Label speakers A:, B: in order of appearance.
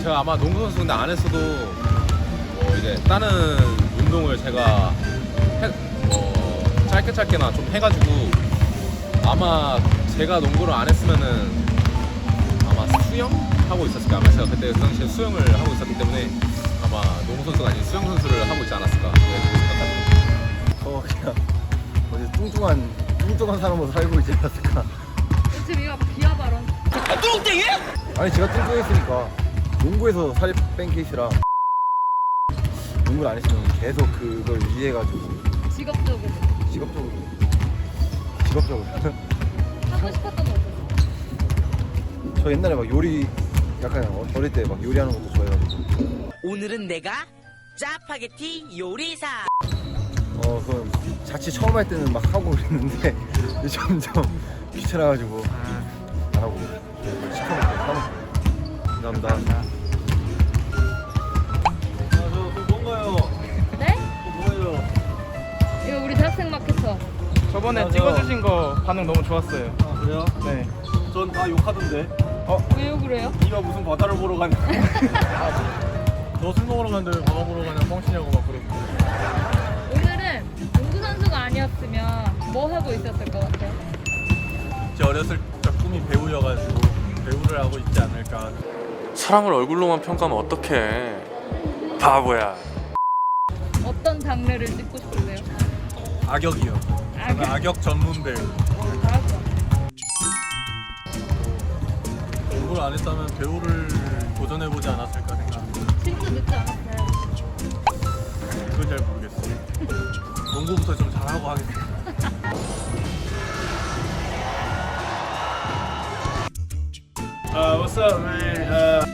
A: 제가 아마 농구 선수 근데 안 했어도 뭐 이제 다른 운동을 제가 짧게나 좀 해가지고 아마 제가 농구를 안 했으면은 아마 수영 하고 있었을 거예요. 아마 제가 그때 그 당시에 수영을 하고 있었기 때문에 아마 농구 선수가 아닌 수영 선수를 하고 있지 않았을까 생각합니다.
B: 그냥 어디 뚱뚱한 사람으로 살고 있지 않았을까.
C: 지금 이거 비하 발언.
D: 뚱땡이?
B: 아니 제가 뚱뚱했으니까 농구에서 살 뺀 케이스라 농구를 안 했으면 계속 그걸 유지해가지고
C: 직업적으로
B: 직업적으로
C: 하고 싶었던 거 없었어?
B: 저 옛날에 막 요리 약간 어릴 때 막 요리하는 것도 좋아해가지고
D: 오늘은 내가 짜파게티 요리사.
B: 그럼 자취 처음 할 때는 막 하고 그랬는데 이제 점점 귀찮아가지고 안 하고 시켜먹고 사먹고. 감사합니다.
C: 네? 이거 우리 대학생 마케터.
E: 저번에 찍어주신 거 반응 너무 좋았어요.
F: 아 그래요?
E: 네.
F: 전 다 욕하던데.
C: 왜요 그래요?
F: 네가 무슨 바다를 보러 가냐? 너 술 먹으러 갔는데 왜 바다 보러 가냐? 뻥치냐고 막 그러고.
C: 오늘은 농구 선수가 아니었으면 뭐 하고 있었을 것 같아요?
F: 제 어렸을 적 꿈이 배우여가지고 배우를 하고 있지 않을까.
A: 사람을 얼굴로만 평가하면 어떡해. 바보야.
C: 어떤 장르를 찍고 싶으세요?
F: 악역이요. 저는 악역 전문 배우.
C: 알았어.
F: 공부를 안 했다면 배우를 도전해보지 않았을까 생각합니다.
C: 진짜 늦지 않았어요.
F: 그건 잘 모르겠어요. 농구부터 좀 잘하고 하겠습니다. What's up, man?